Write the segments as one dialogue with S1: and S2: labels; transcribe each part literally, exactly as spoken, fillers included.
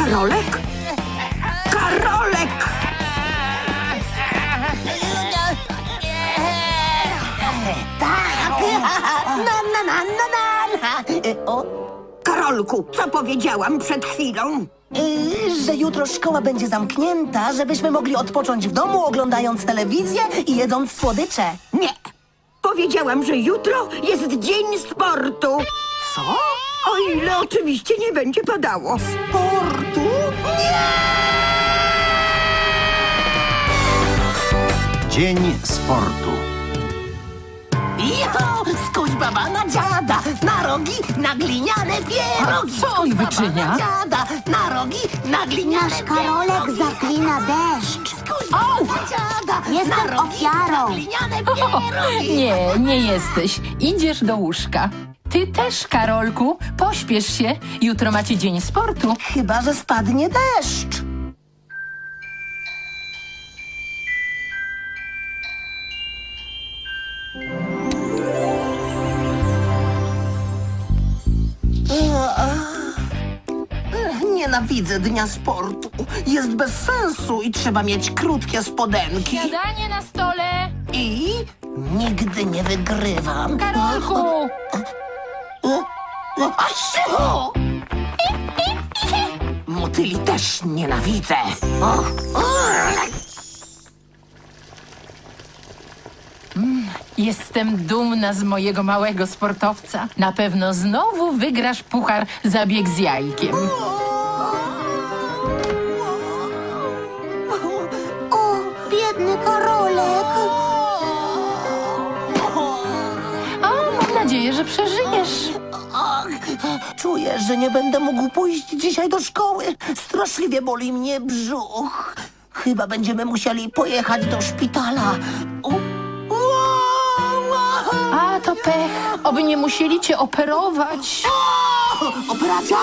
S1: Karolek? Karolek!
S2: Tak! Na, na, na, na, na. O,
S1: Karolku, co powiedziałam przed chwilą?
S2: y, że jutro szkoła będzie zamknięta, żebyśmy mogli odpocząć w domu, oglądając telewizję i jedząc słodycze.
S1: Nie. Powiedziałam, że jutro jest dzień sportu.
S2: Co?
S1: O ile oczywiście nie będzie padało.
S2: Sportu?
S3: Dzień sportu.
S2: Jo, skuć baba na dziada, na rogi, na gliniane pierogi.
S4: A co on
S2: Skuć baba
S4: wyczynia?
S2: Na dziada, na rogi, na gliniane
S5: Nasz Karolek
S2: pierogi.
S5: zaklina deszcz.
S2: Skuć baba na dziada,
S5: Jestem
S2: na rogi,
S5: ofiarą.
S2: na gliniane
S4: O,
S2: pierogi.
S4: nie, nie jesteś. Idziesz do łóżka. Ty też, Karolku. Pośpiesz się. Jutro macie dzień sportu.
S2: Chyba że spadnie deszcz. Ech, Nienawidzę dnia sportu. Jest bez sensu i trzeba mieć krótkie spodenki.
S4: Śniadanie na stole.
S2: I nigdy nie wygrywam.
S4: Karolku!
S2: Asiu! Motyli też nienawidzę. O, o.
S4: Jestem dumna z mojego małego sportowca. Na pewno znowu wygrasz puchar za bieg z jajkiem.
S5: O, biedny Karolek.
S4: O, mam nadzieję, że przeżyjesz.
S2: Ach, czuję, że nie będę mógł pójść dzisiaj do szkoły. Straszliwie boli mnie brzuch. Chyba będziemy musieli pojechać do szpitala. O,
S4: A, to pech. Oby nie musieli cię operować.
S2: o, operacja?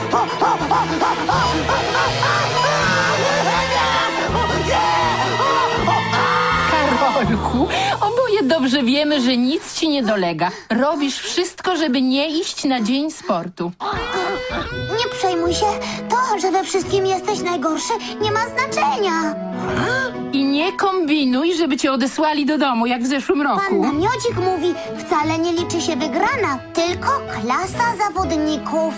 S4: Karolku, oboje dobrze wiemy, że nic ci nie dolega. Robisz wszystko, żeby nie iść na dzień sportu.
S5: Nie przejmuj się. To, że we wszystkim jesteś najgorszy, nie ma znaczenia.
S4: I nie kombinuj, żeby cię odesłali do domu, jak w zeszłym
S5: Pan
S4: roku.
S5: Namiocik mówi, wcale nie liczy się wygrana, tylko klasa zawodników.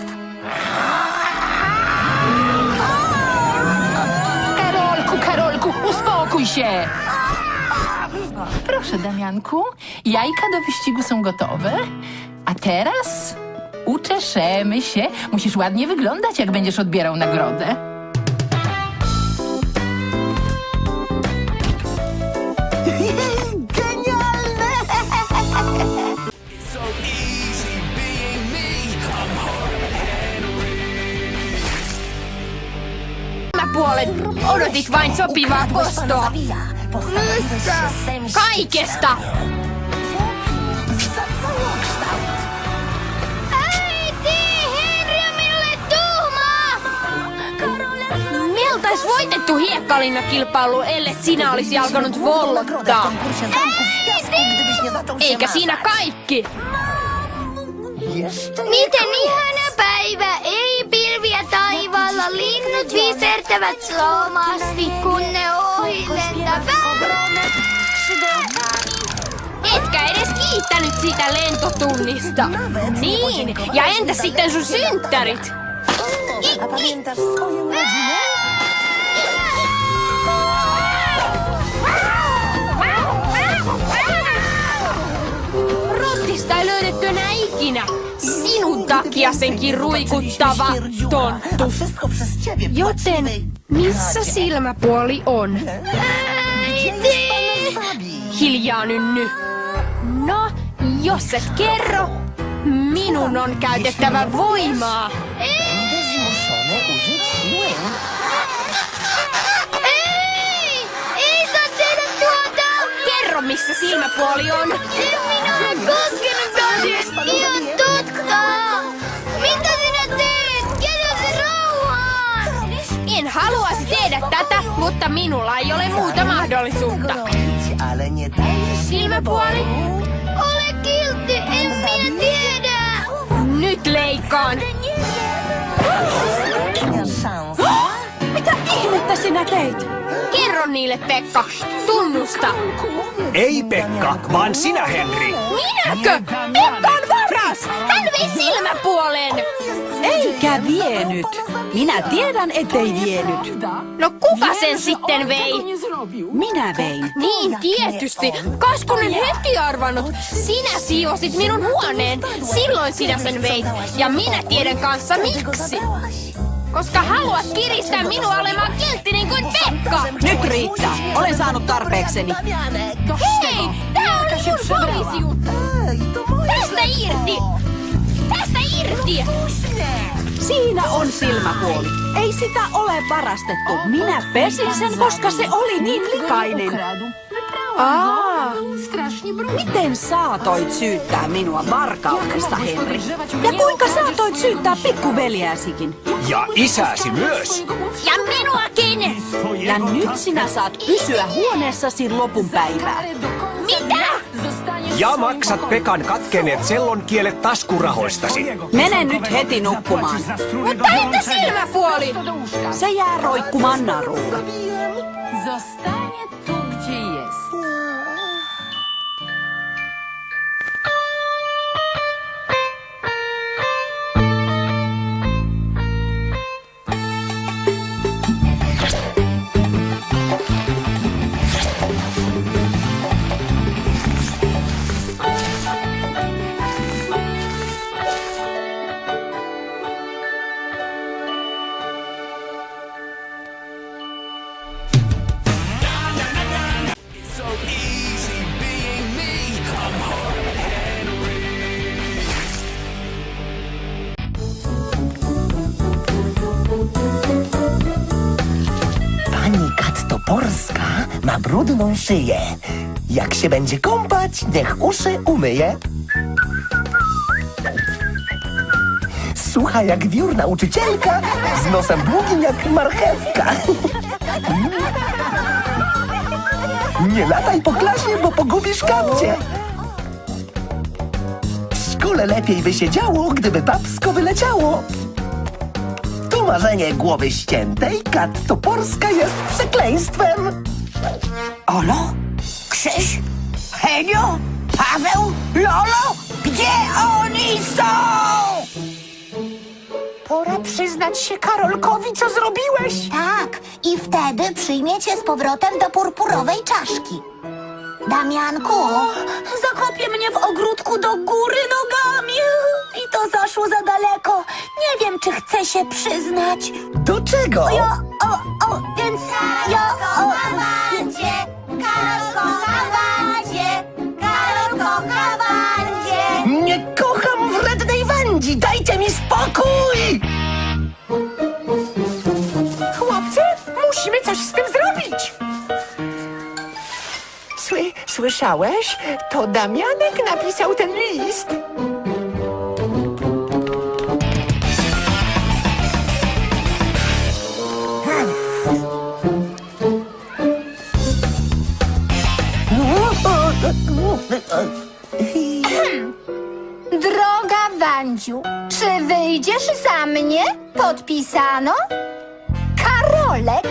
S4: Karolku, Karolku, uspokój się! Proszę, Damianku, jajka do wyścigu są gotowe. A teraz uczeszemy się. Musisz ładnie wyglądać, jak będziesz odbierał nagrodę.
S2: Genialne!
S6: Puolet odotit vain sopivaa kostoa. Kaikesta!
S5: Äiti, Henri on minulle tuhmaa!
S6: Meiltä olisi voitettu hiekkalinnakilpailu, ellei sinä olisi alkanut vollottaa. Eikä siinä kaikki.
S5: Miten ihana päivä! Ei pilviä taivaalla, linnut visertävät slomasti, kun ne ohi lentävät.
S6: Etkä edes kiittänyt sitä lentotunnista. Niin, ja entä sitten sun synttärit?
S2: A pamiętasz swoje urodziny?
S6: Rottista ei löydetty enää ikinä. Sinun takia senkin ruikuttava tonttu.
S2: A wszystko przez ciebie.
S6: Joten missä silmäpuoli on? Hiljaa, Nynny. No, jos et kerro, minun on käytettävä voimaa.
S2: Zmuszony użyć siły.
S5: Ei! Ei saa tehdä tuota!
S6: Kerro, missä silmäpuoli on.
S5: En minä ole koskenut asiasta! Ihan totta! Mitä sinä teet? Jätä se rauhaan!
S6: En haluaisi tehdä tätä, mutta minulla ei ole muuta mahdollisuutta.
S2: Ale nie dajesz
S6: Silmäpuoli,
S5: Ole kiltti! En minä tiedä!
S6: nyt leikkaan.
S2: szans.
S7: Mitä sinä teit?
S6: Kerro niille, Pekka. Tunnusta.
S8: Ei Pekka, vaan sinä Henri.
S6: Minäkö? Pekka on varas! Hän vei silmäpuolen!
S7: Eikä vienyt. Minä tiedän, ettei vienyt.
S6: No kuka sen sitten vei?
S7: Minä vein.
S6: Niin tietysti. Kas kun en heti arvannut. Sinä siivosit minun huoneen. Silloin sinä sen veit. Ja minä tiedän kanssa miksi. Koska haluat kiristää minua olemaan kiltti niin kuin Pekka.
S7: Nyt riittää. Olen saanut tarpeekseni.
S6: Hei! Tää on minun poliisijuttu. Tästä irti! Tästä irti!
S7: Siinä on silmäpuoli. Ei sitä ole varastettu. Minä pesin sen, koska se oli niin likainen. Aa, miten saatoit syyttää minua varkaudesta, Henri? Ja kuinka saatoit syyttää pikkuveljääsikin?
S8: Ja isäsi myös.
S6: Ja minuakin!
S7: Ja nyt sinä saat pysyä huoneessasi lopun päivää.
S6: Mitä?
S8: Ja maksat Pekan katkenneet sellonkielet taskurahoistasi.
S7: Mene nyt heti nukkumaan.
S6: Mutta entä silmäpuoli?
S7: Se jää roikkumaan narulla.
S4: Zostanie tu, gdzie jest.
S2: Pani Kat Toporska ma brudną szyję. Jak się będzie kąpać, niech uszy umyje. Słucha jak wiór nauczycielka, z nosem długim jak marchewka. Nie lataj po klasie, bo pogubisz kapcie. W szkole lepiej by się działo, gdyby babsko wyleciało. To marzenie głowy ściętej, Kat Toporska jest przekleństwem.
S1: Olo? Krzyś? Henio? Paweł? Lolo? Gdzie oni są?
S2: Pora przyznać się Karolkowi, co zrobiłeś.
S9: Tak, i wtedy przyjmiecie z powrotem do purpurowej czaszki. Damianku, zakopie mnie w ogródku do góry nogami. I to zaszło za daleko. Nie wiem, czy chcę się przyznać.
S2: Do czego?
S9: Ja, o, o, więc ja... O, Wandzie, Karol kocha Wandzie, Karol kocha Wandzie.
S2: Nie kocham wrednej Wandzi, dajcie mi spokój!
S1: Chłopcy, musimy coś z tym zrobić.
S10: Sły, słyszałeś? To Damianek napisał ten list.
S5: Droga Wandziu, czy wyjdziesz za mnie? Podpisano? Karolek.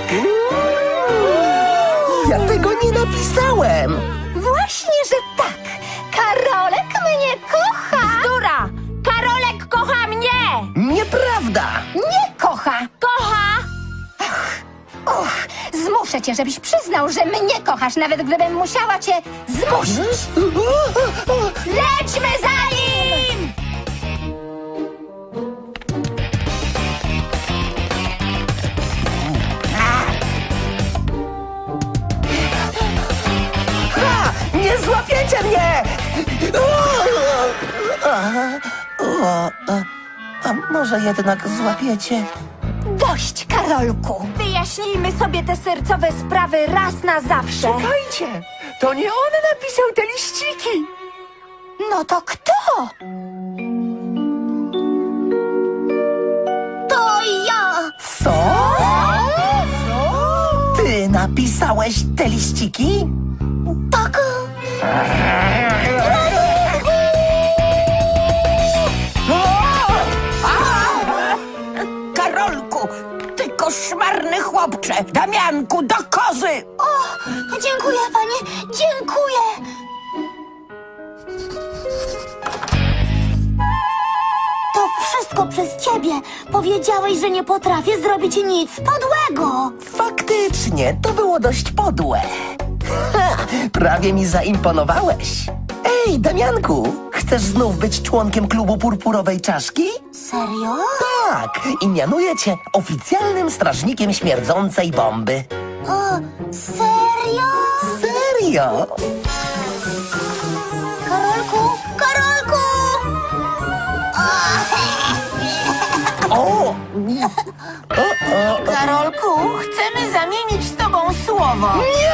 S2: Ja tego nie napisałem!
S5: Właśnie, że tak. Karolek mnie kocha.
S6: Dura! Karolek kocha mnie!
S2: Nieprawda!
S5: Nie kocha.
S6: Kocha!
S5: Och, zmuszę cię, żebyś przyznał, że mnie kochasz, nawet gdybym musiała cię zmusić. Lećmy za nim!
S2: Ha! Nie złapiecie mnie! A może jednak złapiecie?
S5: Dość, Karolku. Wyjaśnijmy sobie te sercowe sprawy raz na zawsze.
S10: Czekajcie, to nie on napisał te liściki.
S5: No to kto?
S9: To ja.
S2: Co? Ty napisałeś te liściki?
S9: Tak.
S1: Karolku, ty koszmarny chłop! chłopcze! Damianku, do kozy!
S9: O, dziękuję, panie, dziękuję. To wszystko przez ciebie. Powiedziałeś, że nie potrafię zrobić nic podłego.
S2: Faktycznie, to było dość podłe. Ha, prawie mi zaimponowałeś. Ej, Damianku, chcesz znów być członkiem klubu Purpurowej Czaszki?
S9: Serio?
S2: Tak, i mianuję cię oficjalnym strażnikiem śmierdzącej bomby.
S9: O, serio?
S2: Serio?
S9: Karolku, Karolku!
S2: O! O, o,
S1: Karolku, chcemy zamienić z tobą słowo.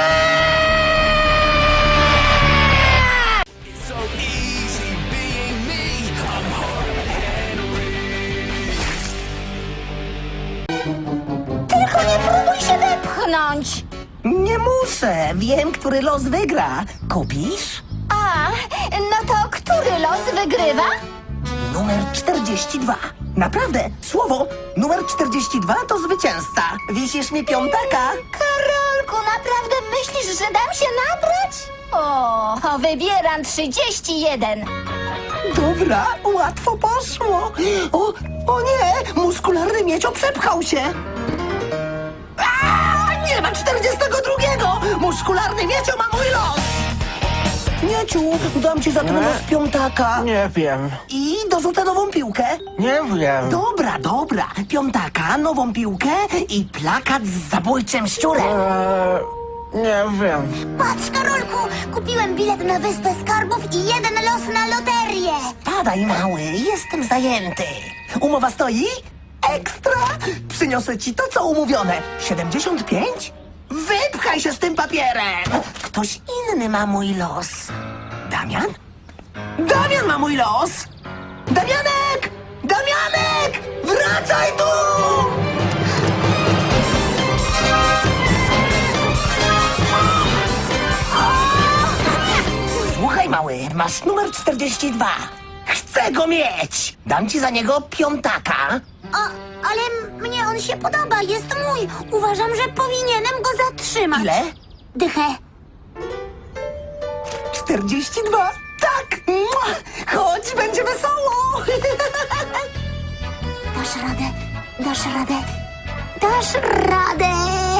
S9: Tylko nie próbuj się wepchnąć.
S2: nie muszę, wiem, który los wygra. Kupisz?
S9: A, no to który los wygrywa?
S2: Numer czterdzieści dwa. Naprawdę, słowo numer czterdzieści dwa to zwycięzca. Wisisz mi piątaka?
S9: Karolku, naprawdę myślisz, że dam się nabrać? O, wybieram trzydzieści jeden.
S2: Dobra, łatwo poszło. O, o nie, muskularny miecio przepchał się. A, nie ma czterdziestego drugiego. Muskularny miecio ma mój los. Mieciu, dam ci za ten los piątaka.
S10: Nie wiem,
S2: I dorzucę nową piłkę.
S10: nie wiem.
S2: Dobra, dobra. Piątaka, nową piłkę i plakat z zabójczym szczurem.
S10: Eee, nie wiem.
S9: Patrz, Karolku, kupiłem bilet na Wyspę Skarbów i jeden los na loterię.
S2: Padaj, mały, jestem zajęty. Umowa stoi? Ekstra! Przyniosę ci to, co umówione. siedemdziesiąt pięć? Wypchaj się z tym papierem! Ktoś inny ma mój los. Damian? Damian ma mój los! Damianek! Damianek! Wracaj tu! Słuchaj, mały, masz numer czterdzieści dwa. Chcę go mieć! Dam ci za niego piątaka.
S9: O, ale m- mnie on się podoba, jest mój. Uważam, że powinienem go zatrzymać.
S2: Ile?
S9: Dychę.
S2: czterdzieści dwa. Tak! Mua! Chodź, będzie wesoło!
S9: Dasz radę, dasz radę, dasz radę.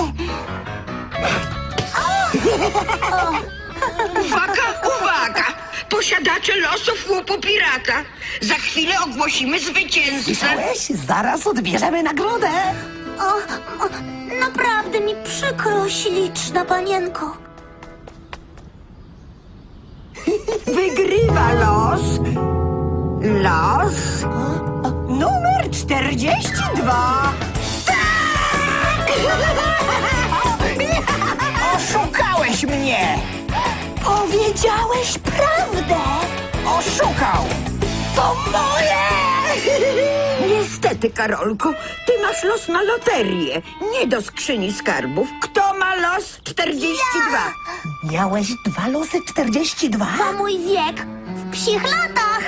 S1: Uwaga, uwaga! Posiadacze losów łupu pirata. Za chwilę ogłosimy zwycięzcę.
S2: Słyszałeś? Zaraz odbierzemy nagrodę.
S9: O, o, naprawdę mi przykro, śliczna panienko.
S1: Wygrywa los. Los. Numer czterdzieści dwa. Oszukałeś mnie!
S9: Powiedziałeś prawdę.
S1: Oszukał! To moje! Niestety, Karolku, ty masz los na loterię, nie do skrzyni skarbów. Kto ma los czterdzieści dwa?
S2: Miałeś dwa losy czterdzieści dwa?
S9: To mój wiek w psich latach.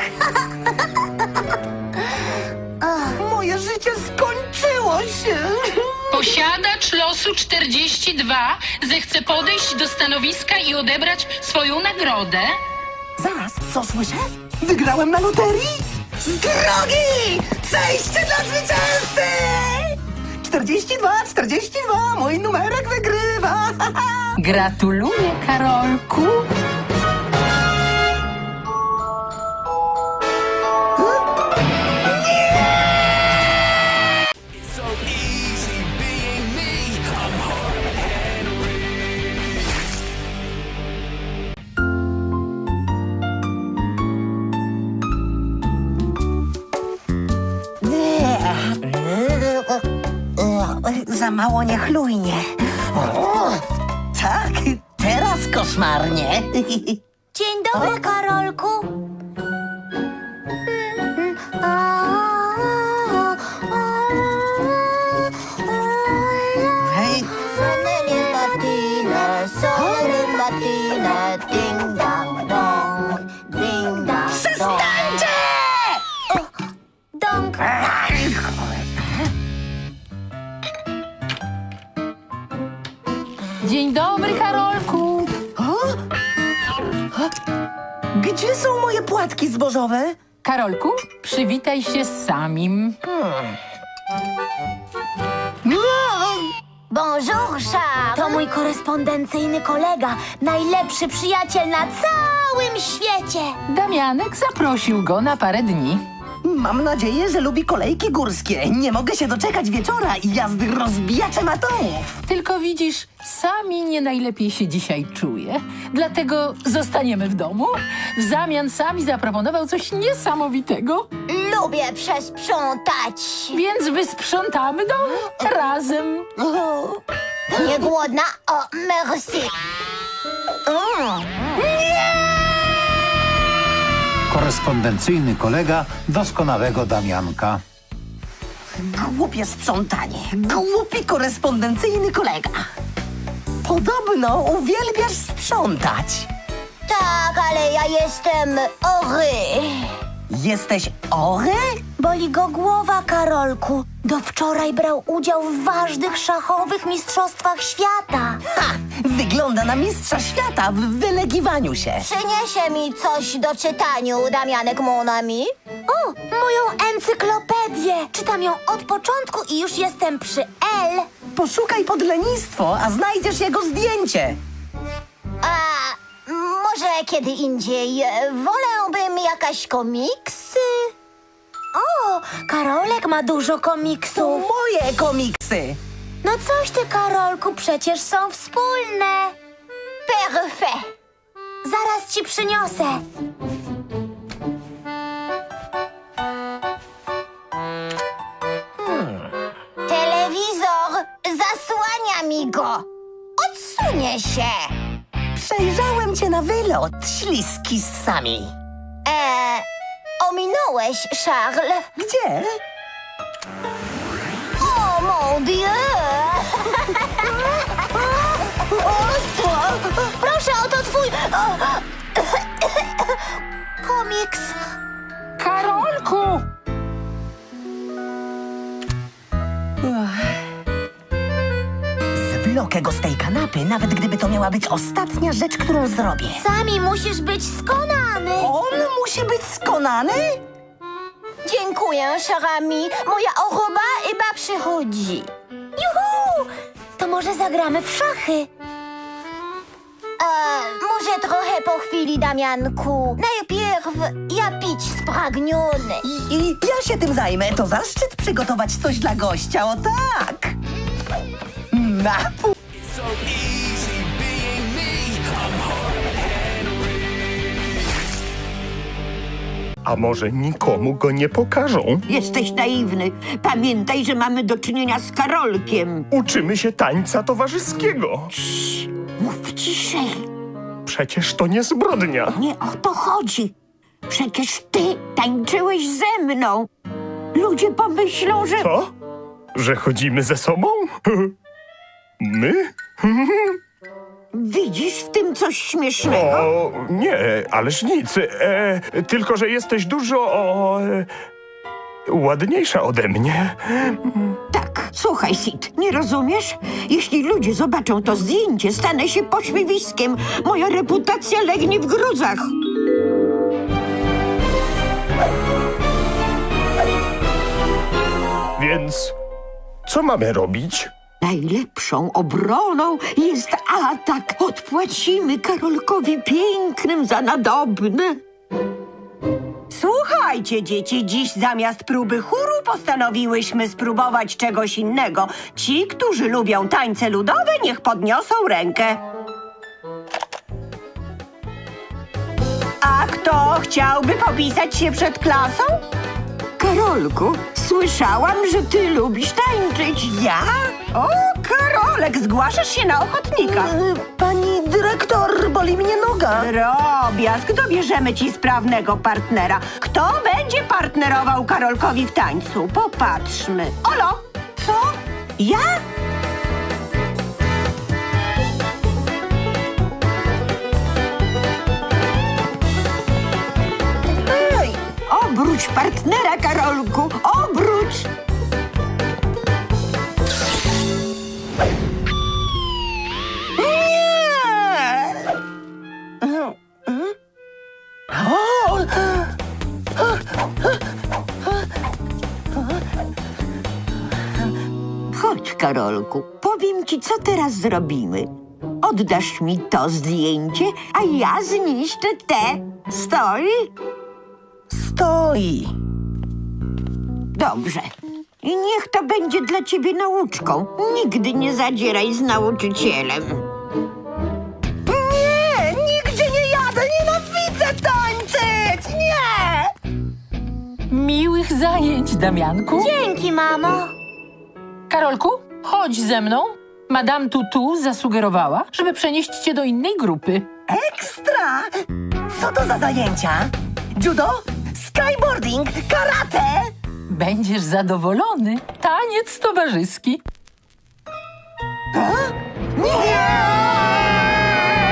S2: Moje życie skończyło się.
S4: Posiadacz losu czterdzieści dwa zechce podejść do stanowiska i odebrać swoją nagrodę.
S2: Zaraz, co słyszę? Wygrałem na loterii? Z drogi! Przejście dla zwycięzcy! czterdzieści dwa, czterdzieści dwa, mój numerek wygrywa!
S4: Gratuluję, Karolku.
S2: Za mało niechlujnie. O, tak, teraz koszmarnie.
S9: Dzień dobry, Karolku.
S2: Hej,
S9: Przestańcie! Dąg.
S2: Gdzie są moje płatki zbożowe?
S4: Karolku, przywitaj się z samim.
S9: Bonjour, Charles. To mój korespondencyjny kolega, najlepszy przyjaciel na całym świecie.
S4: Damianek zaprosił go na parę dni.
S2: Mam nadzieję, że lubi kolejki górskie. Nie mogę się doczekać wieczora i jazdy rozbijaczem atomów.
S4: Tylko widzisz, Sami nie najlepiej się dzisiaj czuje. Dlatego zostaniemy w domu. W zamian Sami zaproponował coś niesamowitego.
S9: Lubię przesprzątać.
S4: Więc wysprzątamy dom razem.
S9: Nie głodna? O, merci. Mm.
S3: Korespondencyjny kolega doskonałego Damianka.
S2: Głupie sprzątanie. Głupi korespondencyjny kolega. Podobno uwielbiasz sprzątać.
S9: Tak, ale ja jestem ory.
S2: Jesteś ory?
S9: Boli go głowa, Karolku. Do wczoraj brał udział w ważnych szachowych mistrzostwach świata.
S2: Ha! Wygląda na mistrza świata w wylegiwaniu się.
S9: Przyniesie mi coś do czytaniu, Damianek mon ami. O, moją encyklopedię. Czytam ją od początku i już jestem przy L.
S2: Poszukaj pod lenistwo, a znajdziesz jego zdjęcie.
S9: A może kiedy indziej. Wolałbym jakaś komiksy. O, Karolek ma dużo
S2: To
S9: komiksów.
S2: moje komiksy.
S9: No coś ty, Karolku, przecież są wspólne. Perfekt. Zaraz ci przyniosę. Hmm. Telewizor zasłania mi go. Odsunie się.
S2: Przejrzałem cię na wylot, śliski z Sami.
S9: Eee, ominąłeś, Charles.
S2: Gdzie?
S9: O, mon Dieu! Proszę, oto twój... O, komiks.
S4: Karolku!
S2: Zwlokę go z tej kanapy, nawet gdyby to miała być ostatnia rzecz, którą zrobię.
S9: Sami musisz być skonany.
S2: On musi być skonany?
S9: Dziękuję, cher ami. Moja oroba chyba przychodzi. Juhu! To może zagramy w szachy? E, może trochę po chwili, Damianku. Najpierw ja pić spragniony.
S2: I, I ja się tym zajmę. To zaszczyt przygotować coś dla gościa, o tak! Napój!
S11: A może nikomu go nie pokażą?
S1: Jesteś naiwny. Pamiętaj, że mamy do czynienia z Karolkiem.
S11: Uczymy się tańca towarzyskiego.
S1: Mów ciszej.
S11: Przecież to nie zbrodnia.
S1: Nie o to chodzi. Przecież ty tańczyłeś ze mną. Ludzie pomyślą, że...
S11: Co? Że chodzimy ze sobą? My?
S1: Widzisz w tym coś śmiesznego?
S11: O, nie, ależ nic. E, tylko, że jesteś dużo o, e, ładniejsza ode mnie.
S1: Tak, słuchaj, Sid, nie rozumiesz? Jeśli ludzie zobaczą to zdjęcie, stanę się pośmiewiskiem. Moja reputacja legnie w gruzach.
S11: Więc co mamy robić?
S1: Najlepszą obroną jest atak. Odpłacimy Karolkowi pięknym za nadobne.
S12: Słuchajcie, dzieci, dziś zamiast próby chóru postanowiłyśmy spróbować czegoś innego. Ci, którzy lubią tańce ludowe, niech podniosą rękę. A kto chciałby popisać się przed klasą?
S1: Karolku, słyszałam, że ty lubisz tańczyć.
S12: Ja? O, Karolek, zgłaszasz się na ochotnika.
S2: Y, Pani dyrektor, boli mnie noga.
S12: Drobiazg, dobierzemy ci sprawnego partnera. Kto będzie partnerował Karolkowi w tańcu? Popatrzmy. Olo, co? Ja?
S1: Ej, obróć partnera, Karolku, obróć!
S2: Nie!
S1: Karolku. Powiem ci, co teraz zrobimy. Oddasz mi to zdjęcie, a ja zniszczę te. Stoi?
S2: Stoi.
S1: Dobrze. I niech to będzie dla ciebie nauczką. Nigdy nie zadzieraj z nauczycielem.
S2: Nie, nigdzie nie jadę, nienawidzę tańczyć, nie!
S4: Miłych zajęć, Damianku.
S9: Dzięki, mamo.
S4: Karolku, chodź ze mną. Madame Tutu zasugerowała, żeby przenieść cię do innej grupy.
S2: Ekstra! Co to za zajęcia? Judo? Skyboarding? Karate?
S4: Będziesz zadowolony. Taniec towarzyski.
S2: Nie!